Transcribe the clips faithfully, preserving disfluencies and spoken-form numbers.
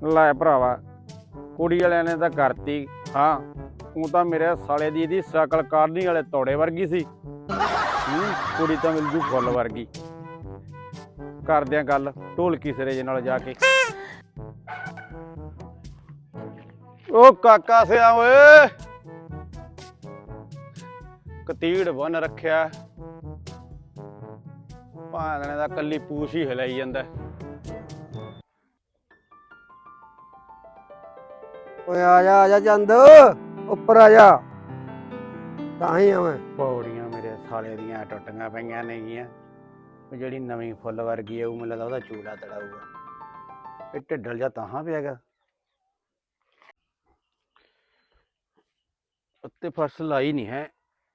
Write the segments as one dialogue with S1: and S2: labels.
S1: ਲੈ ਭਰਾਵਾ ਕੁੜੀ ਵਾਲਿਆਂ ਨੇ ਤਾਂ ਕਰਤੀ। ਹਾਂ ਤੂੰ ਤਾਂ ਮੇਰੇ ਸਾਲੇ ਦੀ ਇਹਦੀ ਸ਼ਕਲ ਕਾਰਨੀ ਵਾਲੇ ਤੋੜੇ ਵਰਗੀ ਸੀ। ਹੂੰ ਕੁੜੀ ਤਾਂ ਮਿਲ ਜੂ ਫੁੱਲ ਵਰਗੀ। ਕਰਦੇ ਆ ਗੱਲ ਢੋਲਕੀ ਸਿਰੇ ਜੇ ਨਾਲ ਜਾ ਕੇ। ਉਹ ਕਾਕਾ ਸਿਆ ਓਏ ਕਤੀੜ ਬਨ ਰੱਖਿਆ ਭਾਣੇ ਦਾ ਕੱਲੀ ਪੂਛ ਹੀ ਹਿਲਾਈ ਜਾਂਦਾ।
S2: ਓਏ ਆ ਜਾ ਆ ਜਾ ਚੰਦ ਉੱਪਰ ਆ ਜਾ। ਤਾਂ ਹੀ ਆ ਮੈਂ
S1: ਪੌੜੀਆਂ ਮੇਰੇ ਸਾਲੇ ਦੀਆਂ ਟੁੱਟੀਆਂ ਪਈਆਂ ਨੇਗੀਆਂ। ਜਿਹੜੀ ਨਵੀਂ ਫੁੱਲ ਵਰਗੀ ਆ ਉਹ ਮੈਨੂੰ ਲੱਗਦਾ ਉਹਦਾ ਚੂਲਾ ਤੜਾਊਗਾ। ਇਹ ਢਿੱਡਲ ਜਾ ਤਾਹਾਂ ਪਿਆ ਗਾ ਉੱਤੇ ਫਰਸ਼ ਲਾਈ ਨਹੀਂ ਹੈ।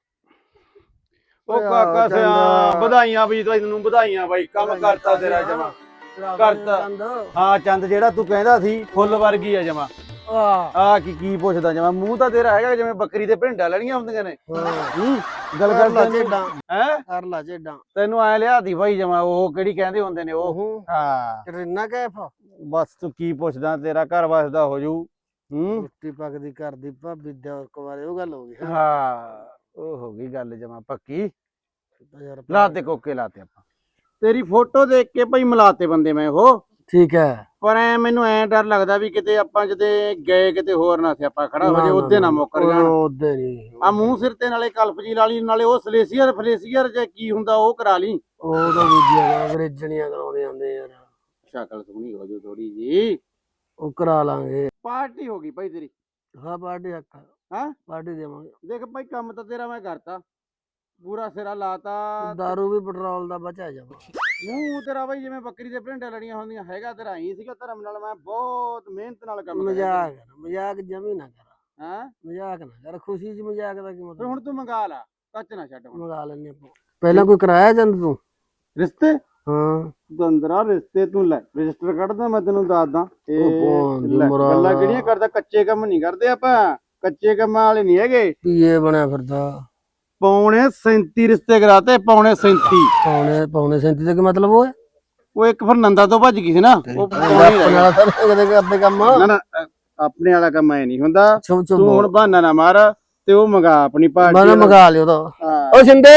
S1: ਉਹ ਕਾਕਾ ਸਿਆ ਵਧਾਈਆਂ ਬਈ ਤੈਨੂੰ ਵਧਾਈਆਂ ਬਾਈ ਕੰਮ ਕਰਤਾ ਤੇਰਾ ਜਮਾ ਕਰਤਾ। ਹਾਂ ਚੰਦ ਜਿਹੜਾ ਤੂੰ ਕਹਿੰਦਾ ਸੀ ਫੁੱਲ ਵਰਗੀ ਆ ਜਮਾ। ਆ ਕੀ ਕੀ ਪੁੱਛਦਾ ਜਮਾ ਮੂੰਹ ਤਾਂ ਤੇਰਾ ਹੈਗਾ ਜਿਵੇਂ ਬੱਕਰੀ ਦੇ ਭਿੰਡਾਂ ਲੈਣੀਆਂ ਹੁੰਦੀਆਂ ਨੇ। ਗੱਲ ਕਰ ਲੈ ਝੇਡਾਂ ਹੈ ਕਰ ਲੈ ਝੇਡਾਂ ਤੈਨੂੰ ਐ ਲਿਆਦੀ ਬਾਈ ਜਮਾ ਉਹ ਕਿਹੜੀ ਕਹਿੰਦੇ ਹੁੰਦੇ ਨੇ ਉਹ। ਹਾਂ
S2: ਕਰੀਨਾ ਕੈਫ
S1: ਬਸ ਤੂੰ ਕੀ ਪੁੱਛਦਾ ਤੇਰਾ ਘਰ ਵਸਦਾ ਹੋ ਜੂ। ਹੂੰ
S2: ਰੋਟੀ ਪੱਕਦੀ ਘਰ ਦੀ ਭਾਬੀ ਦੇ ਕੁਵਾਰੇ ਉਹ ਗੱਲ ਹੋ ਗਈ।
S1: ਹਾਂ ਉਹ ਹੋ ਗਈ ਗੱਲ ਜਮਾ ਪੱਕੀ। ਲਾਤੇ ਕੋਕੇ ਲਾਤੇ ਆਪਾਂ ਤੇਰੀ ਫੋਟੋ ਦੇਖ ਕੇ ਭਾਈ ਮਿਲਾਤੇ ਬੰਦੇ ਮੈਂ ਉਹ। ਠੀਕ ਹੈ ਪਰ ਐ ਮੈਨੂੰ ਐ ਡਰ ਲੱਗਦਾ ਵੀ ਕਿਤੇ ਆਪਾਂ ਜਦੇ ਗਏ ਕਿਤੇ ਹੋਰ ਨਾ ਸਿਆਪਾ ਖੜਾ ਹੋ ਜੇ ਉਹਦੇ ਨਾ ਮੁੱਕਰ ਜਾਣ।
S2: ਉਹਦੇ ਨਹੀਂ
S1: ਆ ਮੂੰਹ ਸਿਰ ਤੇ ਨਾਲੇ ਕਲਪ ਜੀ ਲਾਲੀ ਨਾਲੇ ਉਹ ਸਲੇਸੀਅਰ ਫਲੇਸੀਅਰ ਜੇ ਕੀ ਹੁੰਦਾ ਉਹ ਕਰਾ ਲਈ।
S2: ਉਹ ਤਾਂ ਦੂਜੀਆਂ ਅੰਗਰੇਜ਼ਣੀਆਂ ਕਰਾਉਂਦੇ ਆਂਦੇ ਯਾਰ।
S1: ਸ਼ਕਲ ਸੋਹਣੀ ਹੋ ਜੂ ਥੋੜੀ ਜੀ
S2: ਉਹ ਕਰਾ ਲਾਂਗੇ।
S1: ਪਾਰਟੀ ਹੋ ਗਈ ਭਾਈ ਤੇਰੀ।
S2: ਹਾਂ ਪਾਰਟੀ ਹੱਕ
S1: ਹਾਂ
S2: ਪਾਰਟੀ ਦੇਵਾਂਗੇ।
S1: ਦੇਖ ਭਾਈ ਕੰਮ ਤਾਂ ਤੇਰਾ ਮੈਂ ਕਰਤਾ ਪੂਰਾ ਸਿਰਾ ਲਾਤਾ।
S2: ਦਾਰੂ ਵੀ ਪੈਟਰੋਲ ਦਾ ਬਚਾ ਜਾਵਾ।
S1: ਮੂੰਹ ਤੇਰਾ ਬਾਈ ਜਿਵੇਂ ਬੱਕਰੀ ਦੇ ਭਿੰਡਾਂ ਲੜੀਆਂ ਹੁੰਦੀਆਂ ਹੈਗਾ ਤੇਰਾ ਹੀ ਸੀਗਾ ਧਰਮ ਨਾਲ। ਮੈਂ ਬਹੁਤ ਮਿਹਨਤ ਨਾਲ ਕੰਮ ਕਰਿਆ।
S2: ਮਜ਼ਾਕ ਮਜ਼ਾਕ ਜਮੀ ਨਾ ਕਰ।
S1: ਹਾਂ
S2: ਮਜ਼ਾਕ ਨਾ ਕਰ ਖੁਸ਼ੀ ਚ ਮਜ਼ਾਕ ਦਾ ਕੀ ਮਤਲਬ।
S1: ਹੁਣ ਤੂੰ ਮੰਗਾ ਲਾ ਕੱਚ ਨਾ ਛੱਡ। ਹੁਣ
S2: ਮੰਗਾ ਲੈਣੇ ਆਪਾਂ। ਪਹਿਲਾਂ ਕੋਈ ਕਰਾਇਆ ਜੰਦ ਤੂੰ
S1: ਰਿਸ਼ਤੇ।
S2: ਹਾਂ
S1: ਦੰਦਰਾ ਰਿਸ਼ਤੇ ਤੂੰ ਲੈ ਰਜਿਸਟਰ ਕੱਢਦਾ ਮੈਂ ਤੈਨੂੰ ਦੱਸਦਾ।
S2: ਉਹ
S1: ਗੱਲਾਂ ਕਿਹੜੀਆਂ ਕਰਦਾ ਕੱਚੇ ਕੰਮ ਨਹੀਂ ਕਰਦੇ ਆਪਾਂ। ਕੱਚੇ ਕੰਮਾਂ ਵਾਲੇ ਨਹੀਂ ਹੈਗੇ।
S2: ਪੀਏ ਬਣਿਆ ਫਿਰਦਾ।
S1: ਪੌਣੇ ਸੈਂਤੀ ਰਿਸ਼ਤੇ ਕਰਾਤੇ ਪੌਣੇ ਸੈਂਤੀ।
S2: ਪੌਣੇ ਪੌਣੇ ਸੈਂਤੀ ਦਾ ਕੀ ਮਤਲਬ ਉਹ ਹੈ।
S1: ਉਹ ਇੱਕ ਫਿਰ ਨੰਦਾ ਤੋਂ ਭੱਜ ਗਈ ਸੀ ਨਾ।
S2: ਆਪਣੇ ਕੰਮ
S1: ਨਾ ਨਾ ਆਪਣੇ ਵਾਲਾ ਕੰਮ ਐ ਨਹੀਂ ਹੁੰਦਾ। ਤੂੰ ਹੁਣ ਬਹਾਨਾ ਨਾ ਮਾਰ ਤੇ ਉਹ ਮੰਗਾ ਆਪਣੀ ਪਾਰਟੀ।
S2: ਮੈਂ ਮੰਗਾ ਲਿਓ ਤਾਂ ਉਹ ਸਿੰਦੇ।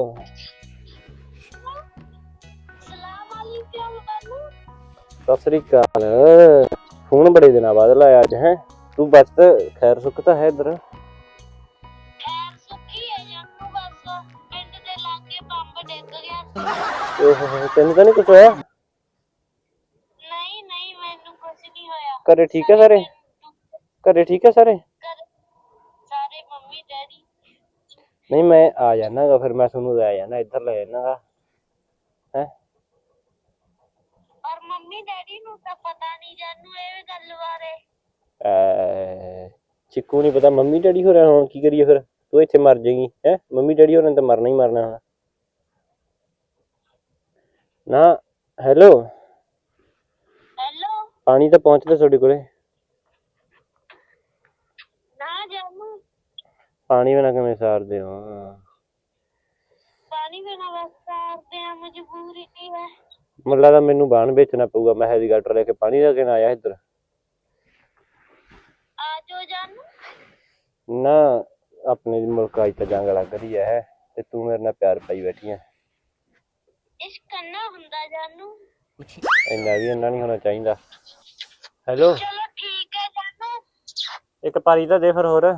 S3: ਸਤਿ ਸ੍ਰੀ ਅਕਾਲ ਫੋਨ ਬੜੇ ਦਿਨਾਂ ਬਾਅਦ ਲਾਇਆ ਅੱਜ ਹੈ ਤੂੰ ਬਸ ਖੈਰ ਸੁੱਖ ਤਾਂ ਹੈ ਇੱਧਰ।
S4: ਖੈਰ ਸੁੱਖੀ ਹੈ ਜਾਨੂੰ ਬਸ ਪਿੰਡ ਦੇ ਲਾਗੇ ਬੰਬ ਡਿੱਗ ਗਿਆ ਸੀ।
S3: ਓਹੋ ਤੈਨੂੰ ਤਾਂ ਨਹੀਂ ਕੁਛ ਹੋਇਆ।
S4: ਨਹੀਂ ਨਹੀਂ ਮੈਨੂੰ ਕੁਝ ਨਹੀਂ ਹੋਇਆ।
S3: ਘਰੇ ਠੀਕ ਹੈ ਸਾਰੇ ਘਰੇ ਠੀਕ ਹੈ ਸਾਰੇ
S4: ਸਾਰੇ ਮੰਮੀ ਡੈਡੀ।
S3: ਨਹੀਂ ਮੈਂ ਆ ਜਾਣਾ ਗਾ ਫਿਰ ਮੈਂ ਤੁਹਾਨੂੰ ਲੈ ਜਾਣਾ ਇੱਧਰ ਲੈ ਜਾਣਾ ਗਾ ਹੈ।
S4: ਪਰ ਮੰਮੀ ਡੈਡੀ ਨੂੰ ਤਾਂ ਪਤਾ ਨਹੀਂ ਜਾਨੂੰ ਇਹ ਗੱਲ ਬਾਰੇ।
S3: ਚਿੱਕੂ ਨਹੀਂ ਪਤਾ ਮੰਮੀ ਡੈਡੀ ਹੋ ਰਿਹਾ ਹੁਣ ਕੀ ਕਰੀਏ ਫਿਰ ਤੂੰ ਇੱਥੇ ਮਰ ਜਾਏਗੀ ਹੈ। ਮੰਮੀ ਡੈਡੀ ਹੋਰਾਂ ਨੇ ਤਾਂ ਮਰਨਾ ਹੀ ਮਰਨਾ ਹੁਣ ਨਾ। ਹੈਲੋ
S4: ਹੈਲੋ
S3: ਪਾਣੀ ਤਾਂ ਪਹੁੰਚਦਾ ਤੁਹਾਡੇ ਕੋਲੇ।
S4: ਨਾ ਜਾਨੂੰ
S3: ਪਾਣੀ ਬਿਨਾਂ ਕਿਵੇਂ ਸਾਰਦੇ ਹੋ।
S4: ਪਾਣੀ ਬਿਨਾਂ ਬਸ ਸਾਰਦੇ ਆ ਮਜਬੂਰੀ ਕੀ ਹੈ।
S3: ਮੈਨੂੰ ਲੱਗਦਾ ਮੈਨੂੰ ਬਾਣ ਵੇਚਣਾ ਪਊਗਾ। ਮੈਂ ਹੈਲੀਕਾਪਟਰ ਲੈ ਕੇ ਪਾਣੀ ਲੈ ਕੇ ਨਾ ਆਇਆ ਇੱਧਰ।
S4: ਆ ਜੋ ਜਾਨੂੰ
S3: ਨਾ ਆਪਣੇ ਮੁਲਕ ਅੱਜ ਤਾਂ ਜੰਗ ਲੱਗ ਰਹੀ ਹੈ ਤੇ ਤੂੰ ਮੇਰੇ ਨਾਲ ਪਿਆਰ ਪਾਈ ਬੈਠੀ ਹੈ।
S4: ਇਸ਼ਕ ਕਰਨਾ ਹੁੰਦਾ ਜਾਨੂੰ।
S3: ਇੰਨਾ ਵੀ ਇੰਨਾ ਨਹੀਂ ਹੋਣਾ ਚਾਹੀਦਾ। ਹੈਲੋ
S4: ਚਲੋ ਠੀਕ ਹੈ ਜਾਨੂੰ।
S3: ਇੱਕ ਪਾਰੀ ਤਾਂ ਦੇ ਫਿਰ ਹੋਰ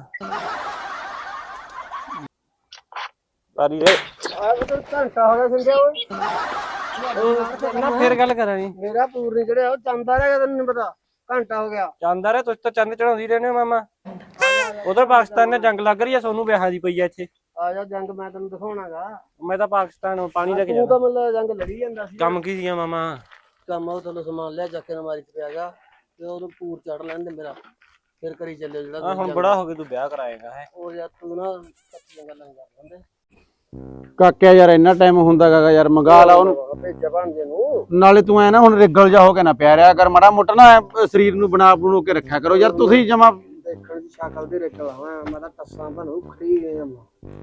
S3: ਪਾਰੀ ਦੇ।
S2: ਘੰਟਾ ਹੋ ਗਿਆ ਸਿੰਦੇ ਓਏ।
S3: ਨਾ ਫਿਰ ਗੱਲ ਕਰਾਂਗੇ।
S2: ਮੇਰਾ ਪੂਰ ਨਹੀਂ ਚੜਿਆ ਉਹ ਚੰਦਾ ਰਿਹਾ ਤੈਨੂੰ ਨਹੀਂ ਪਤਾ। ਘੰਟਾ ਹੋ ਗਿਆ
S3: ਚੰਦ ਆ ਰਿਹਾ ਤੁਸੀਂ ਤਾਂ ਚੰਦ ਚੜਾਉਂਦੀ ਰਹਿੰਦੇ ਹੋ ਮਾਮਾ। ਉਧਰ ਪਾਕਿਸਤਾਨ ਨੇ ਜੰਗ ਲੱਗ ਰਹੀ ਹੈ ਸੋਨੂੰ ਵਿਆਹਾਂ ਦੀ ਪਈ ਆ ਇੱਥੇ।
S2: ਆ ਜਾ ਜੰਗ ਮੈਂ ਤੈਨੂੰ ਦਿਖਾਉਣਾਗਾ।
S3: ਮੈਂ ਤਾਂ ਪਾਕਿਸਤਾਨ ਪਾਣੀ ਲੈ ਕੇ
S2: ਤੂੰ ਤਾਂ
S3: ਜਾਣਾ।
S2: ਮਤਲਬ ਜੰਗ ਲੜੀ ਜਾਂਦਾ ਸੀ।
S3: ਕੰਮ ਕੀ ਸੀਗਾ ਮਾਮਾ।
S2: ਕੰਮ ਉਹ ਤੈਨੂੰ ਸਮਾਨ ਲਿਆ ਚੱਕ ਕੇ ਨਮਾਰੀ ਚ ਪਿਆ ਗਾ ਤੇ ਉਹਨੂੰ ਪੂਰ ਚੜ ਲੈਣ ਦੇ ਮੇਰਾ ਫਿਰ ਕਰੀ ਚੱਲਿਓ ਜਿਹੜਾ।
S3: ਆ ਹੁਣ ਬੜਾ ਹੋ ਕੇ ਤੂੰ ਵਿਆਹ ਕਰਾਏਗਾ ਹੈ।
S2: ਉਹ ਯਾਰ ਤੂੰ ਨਾ ਕੱਚੀਆਂ ਗੱਲਾਂ ਕਰ ਲੈਂਦੇ।
S1: ਕਾਕਿਆ ਯਾਰ ਇੰਨਾ ਟਾਈਮ ਹੁੰਦਾ ਗਾ ਯਾਰ ਮੰਗਾ ਲਾ ਉਹਨੂੰ
S2: ਭੇਜਿਆ ਭਾਂਜੇ ਨੂੰ।
S1: ਨਾਲੇ ਤੂੰ ਐ ਨਾ ਹੁਣ ਰਿਗਲ ਜਾ ਹੋ ਕੇ ਨਾ ਪਿਆ ਰਿਆ ਕਰ ਮਾੜਾ ਮੋਟਾ ਨਾ ਸਰੀਰ ਨੂੰ ਬਣਾ ਬਣੂ ਕੇ ਰੱਖਿਆ ਕਰੋ ਯਾਰ ਤੁਸੀਂ ਜਮਾ।
S2: ਦੇਖਣ ਦੀ ਸ਼ਕਲ ਦੀ ਰਿਕਲ ਹਾਂ ਮੈਂ ਤਾਂ ਟੱਸਾਂ ਬਣੂ ਖੜੀ ਗਏ ਆ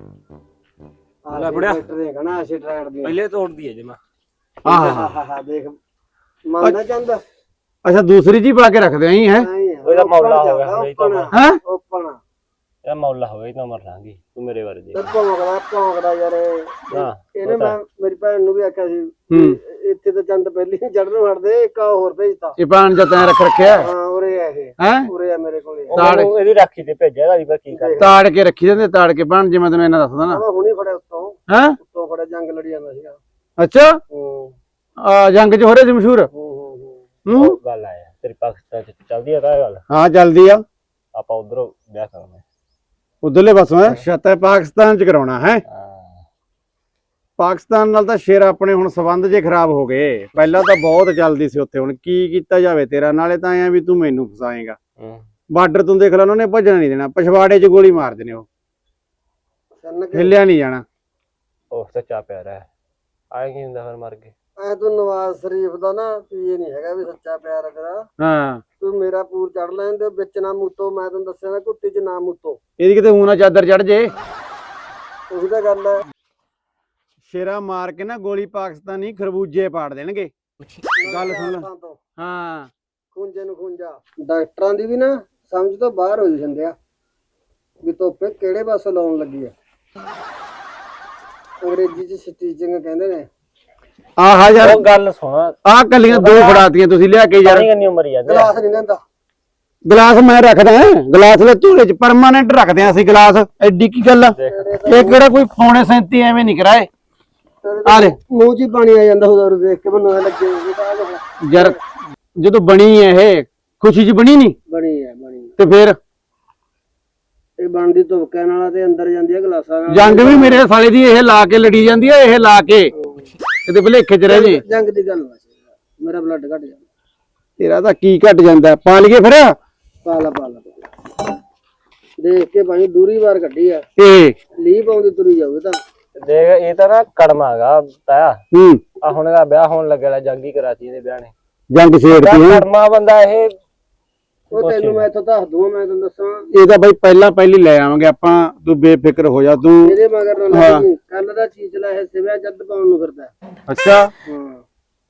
S3: ਲੈ ਬੁੜਿਆ
S2: ਦੇਖਣਾ ਅਸੀਂ ਟਰੈਕਟ ਦੀ
S3: ਪਹਿਲੇ ਤੋੜਦੀ ਹੈ ਜਮਾ।
S1: ਆਹ
S2: ਹਾਂ ਦੇਖ ਮੰਨਦਾ ਚੰਦ
S1: ਅੱਛਾ ਦੂਸਰੀ ਜੀ ਪਾ ਕੇ ਰੱਖਦੇ ਆਂ ਹੈ
S3: ਉਹਦਾ ਮੌਲਾ ਹੋ ਗਿਆ ਇਹ ਤਾਂ
S1: ਹੈ
S2: ਓਪਨ
S3: ਇਹ ਮੌਲਾ ਹੋ ਗਿਆ ਇਹ ਤਾਂ ਮਰ ਲਾਂਗੀ ਤੂੰ ਮੇਰੇ ਬਾਰੇ ਦੇਖ
S2: ਭੌਂਕਦਾ ਭੌਂਕਦਾ ਯਾਰ
S3: ਹਾਂ
S2: ਇਹਨੇ ਮੈਂ ਮੇਰੀ ਭੈਣ ਨੂੰ ਵੀ ਆਖਿਆ ਸੀ
S1: ਹੂੰ
S2: ਇੱਥੇ ਤਾਂ ਚੰਦ ਪਹਿਲੀ ਚੜਨ ਵੜਦੇ ਇੱਕ ਹੋਰ ਭੇਜਤਾ
S1: ਇਹ ਪਾਣ ਜਾਂ ਤੈਂ ਰੱਖ ਰੱਖਿਆ
S2: ਹਾਂ ਉਰੇ ਆ ਇਹ
S1: ਹੈ
S2: ਉਰੇ ਆ ਮੇਰੇ ਕੋਲੇ
S1: ਤਾੜ
S3: ਇਹਦੀ ਰਾਖੀ ਤੇ ਭੇਜਿਆ ਇਹਦਾ ਵੀ ਪਰ ਕੀ ਕਰ
S1: ਤਾੜ ਕੇ ਰੱਖੀ ਜਾਂਦੇ ਤਾੜ ਕੇ ਪਾਣ ਜਿਵੇਂ ਤੈਨੂੰ ਇਹਨਾਂ ਦੱਸਦਾ ਨਾ
S2: ਮੈਂ ਹੁਣੀ ਫੜਿਆ ਉੱਤੋਂ
S1: ਹੈ
S2: ਉੱਤੋਂ ਫੜਿਆ ਜੰਗ ਲੜੀ ਜਾਂਦਾ ਸੀਗਾ
S1: ਅੱਛਾ
S2: ਹੂੰ
S1: ਆ ਜੰਗ ਚ ਹੋ ਰਹੇ ਸੀ ਮਸ਼ਹੂਰ
S2: ਹੂੰ ਹੂੰ
S1: ਹੂੰ
S3: ਗੱਲ ਆਇਆ ਤੇਰੀ ਪਾਕਿਸਤਾਨ ਚ ਚੱਲਦੀ ਆ ਤਾਂ ਇਹ ਗੱਲ
S1: ਹਾਂ ਚੱਲਦੀ ਆ
S3: ਆਪਾਂ ਉਧਰੋਂ ਵਿਆਹ ਕਰਨਾ
S1: ਉਧਰਲੇ ਪਾਸੋਂ ਹੈ ਸ਼ਤਾ ਪਾਕਿਸਤਾਨ ਚ ਕਰਾਉਣਾ ਹੈ
S3: ਹਾਂ
S1: ਪਾਕਿਸਤਾਨ ਨਾਲ ਤਾਂ ਸ਼ੇਰ ਆਪਣੇ ਹੁਣ ਸਬੰਧ ਜੇ ਖਰਾਬ ਹੋ ਗਏ ਪਹਿਲਾਂ ਤਾਂ ਬਹੁਤ ਚੱਲਦੀ ਸੀ ਉੱਥੇ ਹੁਣ ਕੀ ਕੀਤਾ ਜਾਵੇ ਤੇਰਾ ਨਾਲੇ ਤਾਂ ਐ ਵੀ ਤੂੰ ਮੈਨੂੰ ਫਸਾਏਗਾ
S3: ਹੂੰ
S1: ਬਾਰਡਰ ਤੋਂ ਦੇਖ ਲੈ ਉਹਨਾਂ ਨੇ ਭੱਜਣਾ ਨਹੀਂ ਦੇਣਾ ਪਛਵਾੜੇ 'ਚ ਗੋਲੀ ਮਾਰ ਦੇਣੀ ਉਹ
S2: ਸੰਨ ਕੇ
S1: ਹਿੱਲਿਆ ਨਹੀਂ ਜਾਣਾ
S3: ਉਹ ਸੱਚਾ ਪਿਆਰਾ ਹੈ ਆਏ ਕੀ ਹੁੰਦਾ ਫਿਰ ਮਰ ਕੇ
S2: ਐ ਤੂੰ ਨਵਾਜ਼ ਸ਼ਰੀਫ ਦਾ ਨਾ ਵੀ ਇਹ ਨਹੀਂ ਹੈਗਾ ਵੀ ਸੱਚਾ ਪਿਆਰ ਕਰਾ
S1: ਹਾਂ
S2: ਤੂੰ ਮੇਰਾ ਪੂਰ ਚੜ ਲੈਣ ਦੇ ਵਿੱਚ ਨਾ ਮੂਤੋ ਮੈਂ ਤੈਨੂੰ ਦੱਸਿਆ ਨਾ ਕੁੱਤੀ 'ਚ ਨਾ ਮੂਤੋ
S1: ਇਹਦੀ ਕਿਤੇ ਊਂ ਨਾ ਚਾਦਰ ਚੜ ਜੇ
S2: ਉਹੀ ਤਾਂ ਗੱਲ ਹੈ
S1: ਸ਼ੇਰਾ ਮਾਰ ਕੇ ਨਾ ਗੋਲੀ ਪਾਕਿਸਤਾਨੀ ਖਰਬੂਜੇ ਪਾੜ ਦੇਣਗੇ ਗੱਲ ਸੁਣ ਲੈ ਹਾਂ
S2: ਖੂੰਜੇ ਨੂੰ ਖੂੰਜਾ ਡਾਕਟਰਾਂ ਦੀ ਵੀ ਨਾ ਸਮਝ ਤੋਂ ਬਾਹਰ ਹੋਈ ਜਾਂਦੇ ਆ ਵੀ ਧੁੱਪੇ ਕਿਹੜੇ ਪਾਸੇ ਲਾਉਣ ਲੱਗੀ ਆ ਅੰਗਰੇਜ਼ੀ ਚ ਸਟੀਚਿੰਗ ਕਹਿੰਦੇ ਨੇ
S1: ਆਹ ਯਾਰ
S3: ਉਹ ਗੱਲ ਸੁਣ
S1: ਆਹ ਕੱਲੀਆਂ ਦੋ ਫੜਾਤੀਆਂ ਤੁਸੀਂ ਲਿਆ ਕੇ ਯਾਰ
S3: ਪਾਣੀ ਕਿੰਨੀ ਉਮਰ ਜਾਂਦੇ
S2: ਗਲਾਸ ਨਹੀਂ ਲੈਂਦਾ
S1: ਗਲਾਸ ਮੈਂ ਰੱਖਦਾ ਗਲਾਸ ਦੇ ਝੋਲੇ 'ਚ ਪਰਮਾਨੈਂਟ ਰੱਖਦੇ ਆਂ ਅਸੀਂ ਗਲਾਸ ਐਡੀ ਕੀ ਗੱਲ ਆ ਇਹ ਕਿਹੜਾ ਕੋਈ ਫੋਨੇ ਸੈਂਤੀ ਐਵੇਂ ਨਹੀਂ ਕਰਾਏ ਆ ਲੈ
S2: ਮੂੰਹ 'ਚ ਹੀ ਪਾਣੀ ਆ ਜਾਂਦਾ ਉਹਦਾ ਦੇਖ ਕੇ ਮੈਨੂੰ ਐ ਲੱਗੇ ਵੀ ਤਾਂ ਆਹ ਦੇਖ।
S1: ਯਾਰ ਜਦੋਂ ਬਣੀ ਹੈ ਇਹ ਖੁਸ਼ੀ 'ਚ ਬਣੀ ਨਹੀਂ
S2: ਬਣੀ ਹੈ ਬਣੀ
S1: ਤੇ ਫਿਰ
S2: ਇਹ ਬਣਦੀ ਧੁੱਪਕਿਆਂ ਨਾਲ ਤੇ ਅੰਦਰ ਜਾਂਦੀ ਹੈ ਗਲਾਸਾਂ ਨਾਲ
S1: ਜੰਗ ਵੀ ਮੇਰੇ ਸਾਲੇ ਦੀ ਇਹ ਲਾ ਕੇ ਲੜੀ ਜਾਂਦੀ ਹੈ ਇਹ ਲਾ ਕੇ ਕਿਤੇ ਭਲੇਖੇ 'ਚ ਰਹਿ ਜੇ
S2: ਜੰਗ ਦੀ ਗੱਲ ਵਾ ਮੇਰਾ ਬਲੱਡ ਘਟ ਜਾਂਦਾ
S1: ਤੇਰਾ ਤਾਂ ਕੀ ਘਟ ਜਾਂਦਾ ਪਾ ਲਈਏ ਫਿਰ
S2: ਪਾਲਾ ਪਾਲਾ ਦੇਖ ਕੇ ਭਾਈ ਦੂਰੀ ਵਾਰ ਕੱਢੀ ਆ
S1: ਇਹ
S2: ਲੀਪ ਆਉਂਦੀ ਤੁਰੀ ਜਾਊਗੀ ਤਾਂ
S3: ਦੇਖ ਇਹ ਤਾਂ ਨਾ ਕੜਮਾ ਗਾ ਤਾਇਆ
S1: ਹੂੰ
S3: ਆ ਹੁਣ ਇਹਦਾ ਵਿਆਹ ਹੋਣ ਲੱਗਿਆ ਜੰਗੀ ਕਰਾਤੀ ਇਹਦੇ ਵਿਆਹ ਨੇ
S1: ਜੰਗ ਛੇੜਤੀ ਹੈ
S3: ਕੜਮਾ ਬੰਦਾ ਇਹ
S2: ਉਹ ਤੈਨੂੰ ਮੈਂ ਇੱਥੋਂ ਦੱਸ ਦੂੰ ਮੈਂ ਤੈਨੂੰ ਦੱਸਾਂ
S1: ਇਹ ਤਾਂ ਬਈ ਪਹਿਲਾਂ ਪਹਿਲੀ ਲੈ ਆਵਾਂਗੇ ਆਪਾਂ ਤੂੰ ਬੇਫਿਕਰ ਹੋ ਜਾ ਤੂੰ
S2: ਇਹਦੇ ਮਗਰ ਨਾ ਲੱਗੀ ਕੱਲ ਦਾ ਚੀਜ਼ ਲੈ ਇਹ ਸਿਵਿਆ ਜੱਦ ਪਾਉਣ ਨੂੰ ਫਿਰਦਾ
S1: ਅੱਛਾ
S2: ਹਾਂ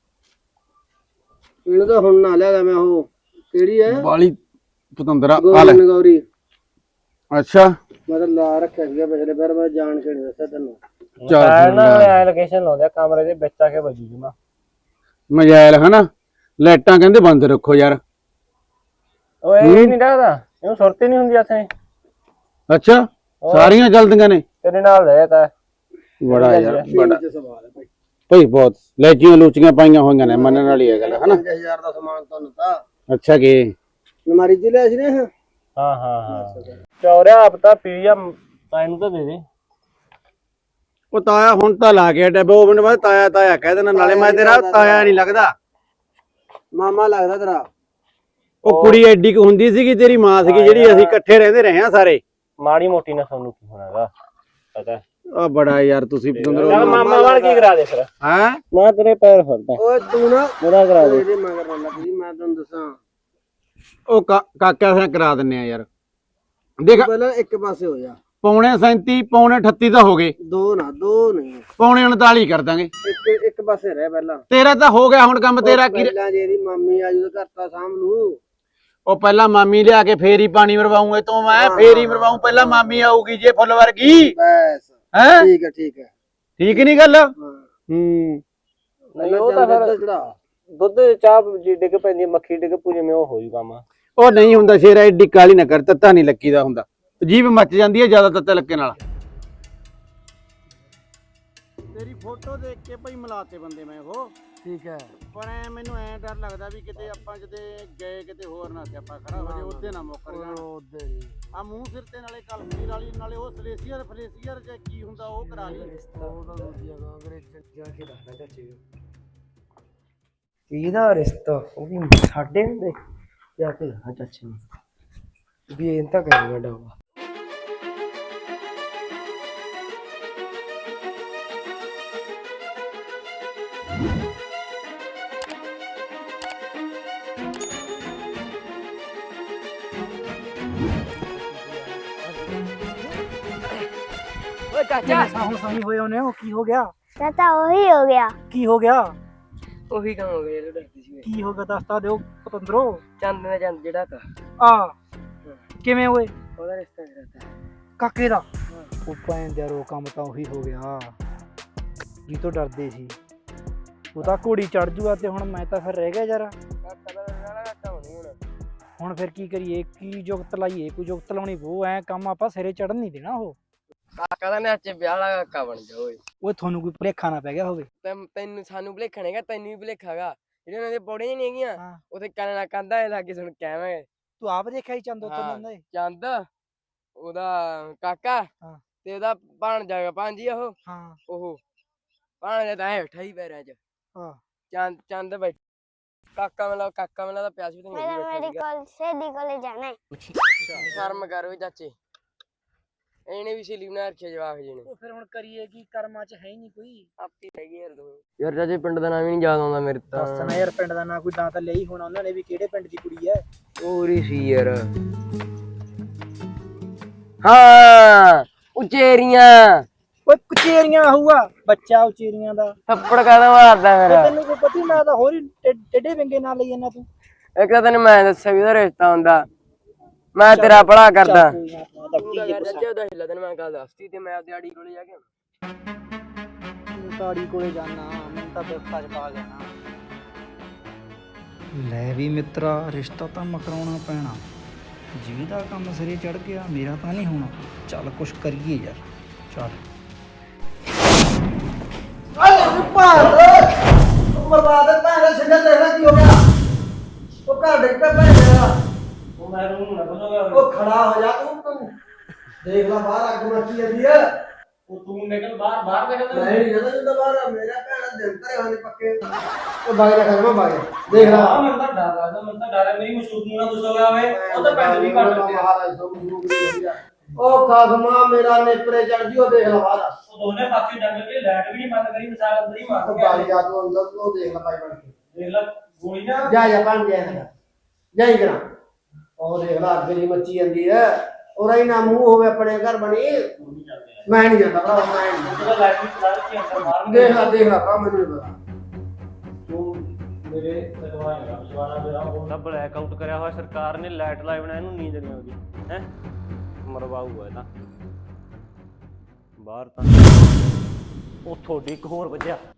S2: ਇਹਨੂੰ ਤਾਂ ਹੁਣ ਨਾ ਲਿਆ ਮੈਂ ਉਹ ਕਿਹੜੀ ਹੈ
S1: ਬਾਲੀ ਪਤੰਦਰਾ ਆ
S2: ਗੋਰੀ
S1: ਲੈ
S2: ਨਗੌਰੀ
S1: ਅੱਛਾ
S2: ਮੈਂ ਤਾਂ ਲਾ ਰੱਖਿਆ ਸੀਗਾ ਪਿਛਲੇ ਵਾਰ ਮੈਂ ਜਾਣ ਕੇ ਨਹੀਂ ਦੱਸਿਆ ਤੈਨੂੰ
S3: ਚਾਰ ਨਾ ਐ ਲੋਕੇਸ਼ਨ ਲਾਉਂਦੇ ਕਮਰੇ ਦੇ ਵਿੱਚ ਆ ਕੇ ਵੱਜੂ ਜਮਾ
S1: ਮਜਾਇਲ ਹਨਾ ਲਾਈਟਾਂ ਕਹਿੰਦੇ ਬੰਦ ਰੱਖੋ ਯਾਰ
S3: ਓਏ ਇਹ ਨਹੀਂ ਰੱਖਦਾ ਇਹਨੂੰ ਸੁਰਤ ਹੀ ਨਹੀਂ ਹੁੰਦੀ ਆਥੇ
S1: ਅੱਛਾ ਸਾਰੀਆਂ ਚੱਲਦੀਆਂ ਨੇ
S3: ਤੇਰੇ ਨਾਲ ਰਹਿ ਤਾ
S1: ਬੜਾ ਯਾਰ ਬੜਾ
S2: ਇਹ ਸਵਾਲ ਹੈ ਭਾਈ
S1: ਭਾਈ ਬਹੁਤ ਲੈਚੀਆਂ ਲੂਚੀਆਂ ਪਾਈਆਂ ਹੋਈਆਂ ਨੇ ਮੰਨਣ ਵਾਲੀ ਹੈ ਗੱਲ ਹਨਾ
S2: ਪੰਜ ਹਜ਼ਾਰ ਦਾ ਸਮਾਨ ਤੁਹਾਨੂੰ ਤਾਂ
S1: ਅੱਛਾ ਕੀ
S2: ਨਮਾਰੀ ਜੀ ਲਿਆ ਸੀ ਨੇ ਇਹ
S3: ਹਾਂ ਹਾਂ ਹਾਂ ਚੌਰਿਆ ਆਪ ਤਾਂ ਪੀਆ ਤਾਇਨ ਤਾਂ ਦੇ ਦੇ
S1: ਉਹ ਤਾਇਆ ਹੁਣ ਤਾਂ ਲਾ ਕੇ ਹਟਿਆ ਦੋ ਮਿੰਟ ਬਾਅਦ ਤਾਇਆ ਤਾਇਆ ਕਹਿ ਦੇਣਾ ਨਾਲੇ ਮੈਂ ਤੇਰਾ ਤਾਇਆ ਨਹੀਂ ਲੱਗਦਾ
S2: ਮਾਮਾ ਲੱਗਦਾ ਤੇਰਾ
S1: ਉਹ ਕੁੜੀ ਐਡੀ ਕੁ ਹੁੰਦੀ ਸੀਗੀ ਤੇਰੀ ਮਾਂ ਸੀਗੀ ਜਿਹੜੀ ਅਸੀਂ ਇਕੱਠੇ ਰਹਿੰਦੇ ਰਹੇ ਆ ਸਾਰੇ
S3: ਮਾੜੀ ਮੋਟੀ ਨਾ ਸਾਨੂੰ ਕੀ ਹੋਣਾਗਾ ਪਤਾ
S1: ਆ ਬੜਾ ਯਾਰ ਤੁਸੀਂ ਪਤੰਦਰੋ
S3: ਚੱਲ ਮਾਮਾ ਵਾਲ ਕੀ ਕਰਾ ਦੇ ਫਿਰ
S1: ਹੈ
S3: ਮੈਂ ਤੇਰੇ ਪੈਰ ਫੜਦਾ
S2: ਓਏ ਤੂੰ ਨਾ
S3: ਮੇਰਾ ਕਰਾ ਦੇ
S2: ਇਹਦੇ ਮਗਰ ਨਾ ਲੱਗ ਜੀ ਮੈਂ ਤੈਨੂੰ ਦੱਸਾਂ
S1: ਉਹ ਕਾ- ਕਾਕਾ ਸਿਆ ਕਰਾ ਦਿੰਨੇ ਆ ਯਾਰ ਦੇਖ
S2: ਪਹਿਲਾਂ ਇੱਕ ਪਾਸੇ ਹੋ ਜਾ
S1: ਪੌਣੇ ਸੈਂਤੀ ਪੌਣੇ ਅਠੱਤੀ ਤਾਂ ਹੋ ਗਏ
S2: ਦੋ ਨਾ ਦੋ ਨਹੀਂ
S1: ਪੌਣੇ ਉਨਤਾਲੀ ਕਰ ਦਾਂਗੇ
S2: ਇੱਕ ਇੱਕ ਪਾਸੇ ਰਹਿ ਪਹਿਲਾਂ
S1: ਤੇਰਾ ਤਾਂ ਹੋ ਗਿਆ ਹੁਣ ਕੰਮ ਤੇਰਾ ਕੀ
S2: ਪਹਿਲਾਂ ਜਿਹੜੀ ਮਾਮੀ ਆ ਜਦੋਂ ਘਰ ਤਾਂ ਸਾਂਭ ਲੂ
S1: ਉਹ ਪਹਿਲਾਂ ਮਾਮੀ ਲਿਆ ਕੇ ਫੇਰ ਹੀ ਪਾਣੀ ਮਰਵਾਉਂ ਇਹ ਤੋਂ ਮੈਂ ਫੇਰ ਹੀ ਮਰਵਾਉਂ ਪਹਿਲਾਂ ਮਾਮੀ ਆਊਗੀ ਜੇ ਫੁੱਲ ਵਰਗੀ
S2: ਬਸ
S1: ਹੈ
S2: ਠੀਕ ਹੈ ਠੀਕ ਹੈ
S1: ਠੀਕ ਨਹੀਂ ਗੱਲ
S2: ਹਾਂ
S1: ਹੂੰ
S3: ਨਹੀਂ ਉਹ ਤਾਂ ਫਿਰ
S2: ਚੜਾ
S3: ਦੁੱਧ ਚਾਹ ਜੀ ਡਿੱਗ ਪੈਂਦੀ ਮੱਖੀ ਡਿੱਗ ਪੂ ਜਿਵੇਂ ਉਹ ਹੋ ਜੂ ਕੰਮ
S1: ਉਹ ਨਹੀਂ ਹੁੰਦਾ ਸ਼ੇਰਾ ਐਡੀ ਕਾਲੀ ਨਾ ਕਰ ਤੱਤਾ ਨਹੀਂ ਲੱਕੀ ਦਾ ਹੁੰਦਾ ਜੀਭ ਮੱਚ ਜਾਂਦੀ ਹੈ ਜ਼ਿਆਦਾ ਤੱਤੇ ਲੱਕੇ ਨਾਲ ਤੇਰੀ ਫੋਟੋ ਦੇਖ ਕੇ ਭਾਈ ਮਿਲਾਤੇ ਬੰਦੇ ਮੈਂ ਉਹ
S2: ਠੀਕ ਹੈ
S1: ਪਰ ਐ ਮੈਨੂੰ ਐ ਡਰ ਲੱਗਦਾ ਵੀ ਕਿਤੇ ਆਪਾਂ ਕਿਤੇ ਗਏ ਕਿਤੇ ਹੋਰ ਨਾ ਤੇ ਆਪਾਂ ਖੜਾ ਹੋ ਜੇ ਉੱਤੇ ਨਾ ਮੁੱਕਰ ਜਾਣ
S2: ਉਹਦੇ
S1: ਆ ਮੂੰਹ ਸਿਰ ਤੇ ਨਾਲੇ ਕਲਮੀ ਵਾਲੀ ਨਾਲੇ ਉਹ ਸਲੇਸੀਅਰ ਫਲੇਸੀਅਰ ਜੇ ਕੀ ਹੁੰਦਾ ਉਹ ਕਰਾ ਲਈ
S2: ਉਹ ਤਾਂ ਦੂਜੀਆਂ ਅੰਗਰੇਜ਼ ਜਾ ਕੇ ਦੱਸਣਾ ਚਾਚੇ
S5: ਇਹਦਾ ਰਿਸ਼ਤਾ ਉਹ ਵੀ ਸਾਡੇ ਹੁੰਦੇ ਜਾ ਕੇ ਹਾਂ ਚਾਚੇ ਨੂੰ ਵੀ ਇਹ ਤਾਂ ਕਰੇਗਾ ਡਾਵਾ
S6: ਓਏ ਚਾਚਾ ਸਾਹੋਂ ਸਾਹੀ ਹੋਏ ਉਹਨੇ ਉਹ ਕੀ ਹੋ ਗਿਆ
S4: ਚਾਚਾ ਉਹੀ ਹੋ ਗਿਆ
S6: ਕੀ ਹੋ ਗਿਆ
S5: ਉਹੀ ਕੰਮ ਹੋ ਗਿਆ ਜਿਹੜਾ ਡਰਦੀ ਸੀ।
S6: ਕੀ ਹੋ ਗਿਆ ਦੱਸ ਤਾਂ ਦਿਓ ਪਤੰਦਰੋ।
S5: ਚੰਦ ਨੇ ਚੰਦ ਜਿਹੜਾ ਤਾ
S6: ਆ ਕਿਵੇਂ ਓਏ?
S5: ਉਹਦਾ ਰਿਸ਼ਤਾ ਕਰਾਤਾ
S6: ਕਾਕੇ ਦਾ। ਉਹ ਭੈਣ ਦਾ ਰੋ ਕੰਮ ਤਾਂ ਉਹੀ ਹੋ ਗਿਆ ਜੀ ਤੋਂ ਡਰਦੇ ਸੀ। ਉਹ ਤਾਂ ਘੋੜੀ ਚੜ ਜੂਗਾ ਤੇ ਹੁਣ ਮੈਂ ਤਾਂ ਫਿਰ ਰਹਿ ਗਿਆ ਯਾਰ।
S5: ਕਾਕਾ ਦਾ ਰਹਿਣਾ ਕਾਕਾ ਹੋਣੀ ਹੁਣ।
S6: ਹੁਣ ਫਿਰ ਕੀ ਕਰੀਏ? ਕੀ ਜੁਗਤ ਲਾਈਏ? ਕੋਈ ਜੁਗਤ ਲਾਉਣੀ ਉਹ ਐ ਕੰਮ ਆਪਾਂ ਸਿਰੇ ਚੜਨ ਨਹੀਂ ਦੇਣਾ। ਉਹ
S5: ਕਾਕਾ ਦਾ ਨੇ ਅੱਜ ਵਿਆਹ ਵਾਲਾ ਕਾਕਾ ਬਣ ਜਾ ਓਏ।
S6: ਉਹ ਤੁਹਾਨੂੰ ਕੋਈ ਭੁਲੇਖਾ ਨਾ ਪੈ ਗਿਆ ਹੋਵੇ।
S5: ਤੈਨੂੰ ਤੈਨੂੰ ਸਾਨੂੰ ਭੁਲੇਖਾ ਨਹੀਂਗਾ, ਤੈਨੂੰ ਵੀ ਭੁਲੇਖਾ ਗਾ। ਜਿਹੜੇ ਉਹਨਾਂ ਦੇ ਪੌੜੀਆਂ ਨਹੀਂ ਹੈਗੀਆਂ
S6: ਹਾਂ।
S5: ਉੱਥੇ ਕੰਨ ਨਾਲ ਕੰਧਾ ਲਾਗੇ ਸੁਣ ਕਹਿਵੇਂ
S6: ਤੂੰ ਆਪ ਦੇਖਿਆ ਹੀ ਚੰਦੋ
S5: ਹਾਂ।
S6: ਤੋਂ ਦੇ।
S5: ਚੰਦ ਉਹਦਾ ਕਾਕਾ
S6: ਹਾਂ।
S5: ਤੇ ਉਹਦਾ ਭਾਣਜਾ ਗਾ ਭਾਂਜੀ ਉਹ
S6: ਹਾਂ
S5: ਉਹ ਭਾਣਜਾ ਤਾਂ ਐ ਬੈਠਾ ਹੀ ਪੈਰਾਂ 'ਚ।
S6: ਹਾਂ।
S5: ਚੰਦ ਚੰਦ ਬੈਠ ਕਾਕਾ ਮਤਲਬ ਕਾਕਾ ਮਤਲਬ ਦਾ ਪਿਆਸ ਵੀ ਤਾਂ ਨਹੀਂ
S4: मेरा
S5: ਬੈਠਾ
S4: मेरी
S5: ਸੀਗਾ।
S4: कॉल सहेली कोले जाना है।
S5: ਸ਼ਰਮ ਕਰ ਓਏ ਚਾਚੇ, ਇਹਨੇ ਵੀ ਸਹੇਲੀ ਬਣਾ ਰੱਖਿਆ ਜਵਾਕ ਜੀ ਨੇ।
S6: ਉਹ ਫਿਰ ਹੁਣ ਕਰੀਏ ਕੀ? ਕਰਮਾਂ 'ਚ ਹੈ ਹੀ ਨਹੀਂ ਕੋਈ।
S5: ਆਪੀ ਹੈਗੀ ਯਾਰ ਤੂੰ ਯਾਰ ਚਾਚੇ ਪਿੰਡ ਦਾ ਨਾਮ ਹੀ ਨਹੀਂ ਯਾਦ ਆਉਂਦਾ ਮੇਰੇ ਤਾਂ।
S6: ਦੱਸ ਨਾ ਯਾਰ, ਪਿੰਡ ਦਾ ਨਾਂ ਕੋਈ ਨਾਂ ਤਾਂ ਲਿਆ ਹੀ ਹੋਣਾ ਉਹਨਾਂ ਨੇ ਵੀ, ਕਿਹੜੇ ਪਿੰਡ ਦੀ ਕੁੜੀ ਐ?
S5: ਪੂਰੀ ਸੀ ਯਾਰ। ਹਾਂ ਉਚੇਰੀਆਂ।
S6: ਓਏ ਕੁਚੇਰੀਆਂ ਹੋਊਗਾ ਬੱਚਾ ਉਚੇਰੀਆਂ ਦਾ।
S5: ਥੱਪੜ ਕਾਹਦਾ ਮਾਰਦਾ ਮੇਰਾ?
S6: ਤੈਨੂੰ ਕੋਈ ਪਤਾ ਮੈਂ ਤਾਂ ਹੋਰ ਹੀ ਟੇਡੇ ਵਿੰਗੇ ਨਾਲ ਲਈ ਜਾਂਦਾ ਤੂੰ।
S5: ਇੱਕ ਤਾਂ ਤੈਨੂੰ ਮੈਂ ਦੱਸਿਆ ਵੀ ਉਹਦਾ ਰਿਸ਼ਤਾ ਹੁੰਦਾ। ਮੈਂ ਤੇਰਾ ਭਲਾ ਕਰਦਾ। ਤੈਨੂੰ ਮੈਂ ਗੱਲ ਦੱਸਤੀ ਤੇ ਮੈਂ ਆਪਦੀ ਆੜੀ ਕੋਲੇ ਜਾ ਕੇ
S6: ਤਾੜੀ ਕੋਲੇ ਜਾਣਾ, ਮੈਂ ਤਾਂ ਬਿਰਤਾ ਚ ਪਾ ਜਾਣਾ। ਲੈ ਵੀ ਮਿੱਤਰਾ, ਰਿਸ਼ਤਾ ਤਾਂ ਮਕਰਾਉਣਾ ਪੈਣਾ। ਜਿਹਦਾ ਕੰਮ ਸਿਰੇ ਚੜ ਗਿਆ ਮੇਰਾ ਤਾਂ ਨਹੀਂ ਹੋਣਾ। ਚੱਲ ਕੁਛ ਕਰੀਏ ਯਾਰ। ਚੱਲ
S2: ਬਰਬਾਦ ਭੈਣ ਸਿੰਗਾ ਦੇਖਣਾ ਕੀ ਹੋ ਗਿਆ। ਉਹ ਘਰ ਡਿੱਗ ਪਿਆ ਭੈਣ ਦਾ।
S3: ਉਹ ਮੈਂ ਰੂਮ ਨਾ ਬੋਲੂਗਾ।
S2: ਉਹ ਖੜਾ ਹੋ ਜਾ ਤੂੰ ਤੂੰ ਦੇਖ ਲੈ ਬਾਹਰ ਅੱਗ ਮੱਚੀ ਜਾਂਦੀ ਆ।
S3: ਉਹ ਤੂੰ ਨਿਕਲ ਬਾਹਰ ਬਾਹਰ ਨਿਕਲ।
S2: ਨਹੀਂ ਜਦੋਂ ਜਦੋਂ ਬਾਹਰ ਮੇਰਾ ਭੈਣ ਦਿਲ ਤੇ ਹੋਣੇ ਪੱਕੇ। ਉਹ ਬਾਗ ਦਾ ਖੜਮਾ ਬਾਗ ਦੇਖ ਲੈ।
S3: ਹਾਂ ਮੈਨੂੰ ਤਾਂ ਡਰ ਲੱਗਦਾ, ਮੈਨੂੰ ਤਾਂ ਡਰ ਹੈ ਮੇਰੀ ਮਸ਼ਹੂਰ ਨੂੰ ਨਾ ਕੁਛ ਹੋ ਗਿਆ ਹੋਵੇ। ਉਹ ਤਾਂ ਪਿੰਡ ਵੀ ਕੱਢ ਦਿੰਦੇ ਆ।
S2: ਉਹ ਖਾਸਮਾ ਮੇਰਾ ਨੇਪਰੇ ਚੜ ਜੀ। ਉਹ ਦੇਖ ਲੈ ਬਾਹਰ।
S3: ਉਹ ਦੋਨੇ ਪਾਸੇ ਡੰਗ ਕੇ ਲਾਈਟ ਵੀ ਨਹੀਂ ਬੰਦ ਕਰੀ, ਮਿਸਾਲ ਅੰਦਰ ਹੀ ਮਾਰ
S2: ਉਹ
S3: ਗਿਆ।
S2: ਬਾਗ ਜਾ ਤੂੰ ਅੰਦਰ ਉਹ ਦੇਖ ਲੈ ਭਾਈ ਬਣ ਕੇ।
S3: ਦੇਖ ਲੈ ਗੋਲੀ ਨਾ
S2: ਜਾ ਜਾ ਬਣ ਗਿਆ ਨਾ ਜਾਈ ਕਰਾਂ। ਉਹ ਦੇਖ ਲੈ ਅੱਗ ਜੀ ਮੱਚੀ ਜਾਂਦੀ ਹੈ। ਉਹਦਾ ਹੀ ਨਾ ਮੂੰਹ ਹੋਵੇ ਆਪਣੇ ਘਰ ਬਣੀ। ਮੈਂ ਨਹੀਂ ਜਾਂਦਾ ਭਰਾ, ਮੈਂ ਨਹੀਂ
S3: ਉਹਦਾ ਲਾਈਟ ਵੀ ਚਲਾ ਕੇ ਅੰਦਰ ਮਾਰਨ।
S2: ਦੇਖ ਲੈ ਦੇਖ ਲੈ ਭਰਾ ਮੈਨੂੰ ਨਹੀਂ ਪਤਾ।
S3: ਤੂੰ ਮੇਰੇ ਲਗਵਾਏਗਾ ਵਿਸ਼ਵਾਨਾ ਮੇਰਾ ਉਹਦਾ ਬਲੈਕ ਆਊਟ ਕਰਿਆ ਹੋਇਆ ਸਰਕਾਰ ਨੇ, ਲਾਈਟ ਲਾਈ ਬਣਾ ਇਹਨੂੰ ਨੀਂਦ ਨਹੀਂ ਆਉਂਦੀ ਹੈ। ਮਰਵਾਊਗਾ ਇਹ ਤਾਂ ਬਾਹਰ ਤਾਂ। ਉਹ ਤੁਹਾਡੀ ਇੱਕ ਹੋਰ ਵੱਜਿਆ।